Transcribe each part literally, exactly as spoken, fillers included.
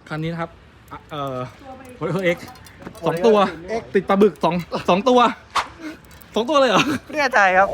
คันนี้นะครับเอ่อโอเอ็กสองตัวติดปลาบึกสองสองตัวสองตัวเลยเหรอเรียกใจครับ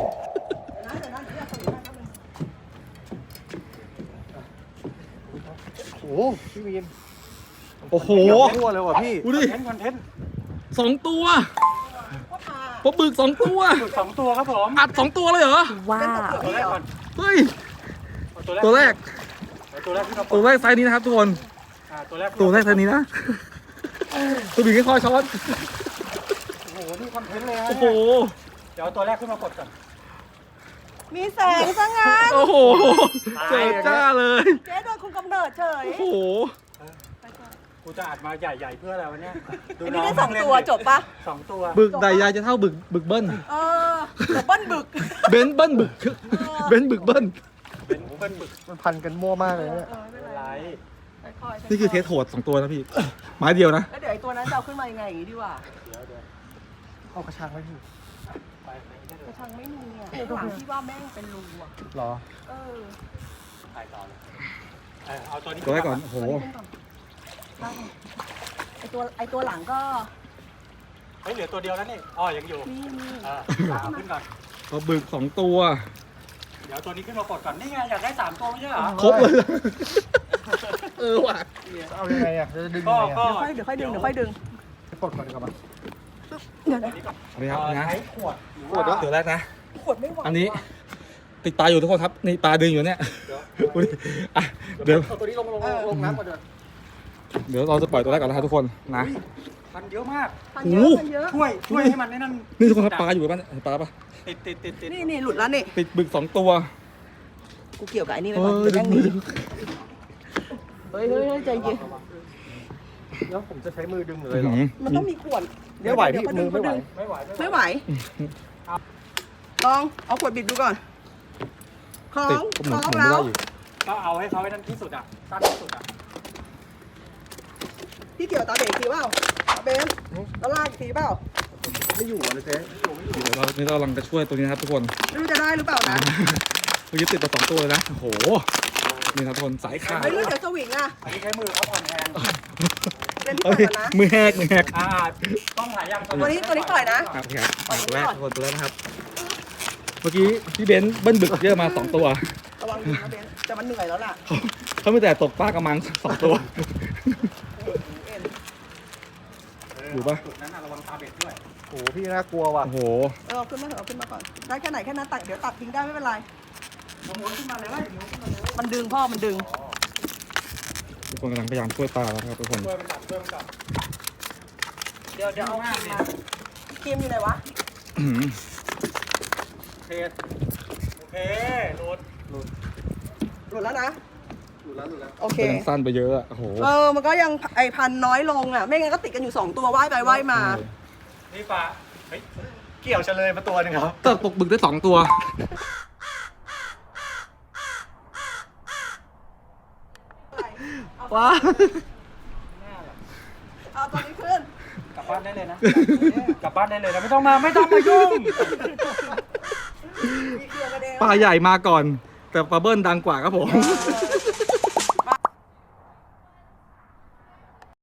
โอ้โหพี่วีนโอ้โหทั่วเลยว่ะพี่ดูดิคอนเทนต์สองตัวปลาบึกสองตัวสองตัวครับผมอัดสองตัวเลยเหรอว้าวตัวแรกก่อนเฮ้ยตัวตัวแรแรกกตัวแรกที่เราตัวแรกไซส์นี้นะครับทุกคนตัวแรกตัวแรกไซส์นี้นะตัวบึกแค่คอยช้อนโอ้โหนี่คอนเทนต์เลยฮะโอ้โหเดี๋ยวตัวแรกขึ้นมากดก่อนมีแสงซะงั้นโอ้โหเจิดจ้าเลยเจ๊โดนคุมกำเนิดเฉยโอ้โหกูจะอัดมาใหญ่ๆเพื่ออะไรวะเนี่ยอันนี้ได้สองตัวจบปะสองตัวบึกใดยายจะเท่าบึกบึกเบิ้ลเออแต่เบิ้ลบึกเบนซ์เบิ้ลบึกเบนซ์บึกเบิ้ลเป็นเป็นบึกมันพันกันมั่วมากเลยเนี่ยเออไม่เป็นไรไรค่อยๆนี่คือเทสโหดสองตัวนะพี่ไม้เดียวนะแล้วเดี๋ยวไอ้ตัวนั้นจะเอาขึ้นมายังไงอย่างงี้ดีกว่าเดี๋ยวเดี๋ยวเอากระชังไว้พี่ไปไปได้เลกยระชังไม่มีอ่ะข้างหลังที่ว่าแม่งเป็นรูอ่ะหรอเออไปต่อเลยเออเอาตัวนี้ตัวแรกก่อน โอ้โหได้ไอตัวไอตัวหลังก็เฮ้ยเหลือตัวเดียวแล้วนี่อ๋อยังอยู่มีมีเออเอาขึ้นก่อนปลาบึกสองตัวเดี๋ยวตัวนี้ขึ้นมากดก่อน นี่ไงอยากได้สามตัวไม่ใช่เหรอครบเลย เออว่ะเอายังไงอ่ะจะดึงก็ยังไงก็อ่ะเดี๋ยวค่อยเดี๋ยวค่อยดึงเดี๋ยวค่อยดึงไปปลดก่อนดีกว่ามั้ยเดี๋ยวนะอันนี้ครับนะใช้ขวดขวดเหรอตัวแรกนะขวดไม่ไหวอันนี้ติดปลาอยู่ทุกคนครับ นี่ปลาดึงอยู่เนี่ยดูดิอ่ะเดี๋ยวเอาตัวนี้ลงลงลงน้ำก่อนเดี๋ยวเดี๋ยวเราจะปล่อยตัวแรกก่อนนะครับทุกคนนะพันเยอะมากพันเยอะพันเยอะช่วยช่วยให้มันในนั้นนี่ทุกคนครับปลาอยู่ป่ะเนี่ยเห็นปลาป่ะติดติดติดติดนี่นี่หลุดแล้วนี่ติดบึกสองตัวกูเกี่ยวกับไอ้นี่ไปเอก่อนอเดี๋ยวดึแม่งงหมืนีอเฮ้ยเฮ้ยเฮ้ยใจเย็นแล้วผมจะใช้มือดึงเลอื้ยอเหรอหือมันต้องมีขวดไม่ไหวพี่เดี๋ยมือไม่ไหวดึงไม่ไหวไม่ไหว ลองเอาขวดบิดดูก่อนคล้อติดงก็หคมุล้นองหมุนไม่แล้ได้วอยู่ก็เอาให้เขาให้นั่นที่สุดอ่ะสั้นที่สุดอ่ะพี่เกี่ยวตาเบรกทีเปล่าตาเบนแล้วลากอีกทีเปล่าไม่อยู่อ่ะเลยเจ๊เดี๋ยวเรานี่เรากำลังจะช่วยตัวนี้นะครับทุกคนไม่รู้จะได้หรือเปล่านะเมื่อกี้ติดมาสองตัวเลยนะ โอ้โห นี่ครับทุกคนสายขาดไอ้ยแล้วเดี๋ยวสวิงอ่ะอันนี้ใช้มือเขาอ่อนแรงเล่นที่เอ้ปล่อย ยก่อนนะมือแหกมือแหกอ่าต้องหายยังตัวนี้ตัวนี้ปล่อยนะครับพี่ครับอ่ะตัวแรกทุกคนตัวแรกนะครับ เมื่อกี้พี่เบนซ์เบิ้ลบึกเยอะมาสองตัวระวังดีนะเบนแต่มันเหนื่อยแล้วล่ะเขาเขาไม่แต่ตกปลากระมังสองตัวเอ็นอยู่ปะจุดนั้นระวังตาเบ็ดด้วยโอ้โหพี่น่ากลัวว่ะโอ้โหเออเอาขึ้นมาเถอะเอาขึ้นมาก่อน ได้แค่ไหนแค่นั้นตัดเดี๋ยวตัดทิ้งได้ไม่เป็นไรม้วนขึ้นมาเลยม้วนขึ้นมาเลยมันดึงพ่อมันดึงทุกคนกำลังพยายามช่วยปลาแล้วครับทุกคนช่วยมันจับช่วยมันจับเดี๋ยวเดี๋ยวเอาครีมมาครีมอยู่ไหนวะอื้อหือโอเคโอเคโหลดหลุดแล้วนะหลุดแล้วหลุดแล้วโอเคเป็นสั้นไปเยอะอะโอ้โหเออ มันก็ยังไอพันน้อยลงอ่ะ ไม่งั้นก็ติดกันอยู่สองตัวว่ายไปว่ายมานี่ปลาเฮ้ยเกี่ยวเฉลยมาตัวหนึ่งครับแต่ตกบึกได้สองตัวว้าเอาตัวนี้ขึ้นกลับบ้านได้เลยนะกลับบ้านได้เลยนะไม่ต้องมาไม่ต้องมายุ่งมีเครื่องกระเด็นปลาใหญ่มาก่อน แต่ปลาเบิ้ลดังกว่าครับผมเออ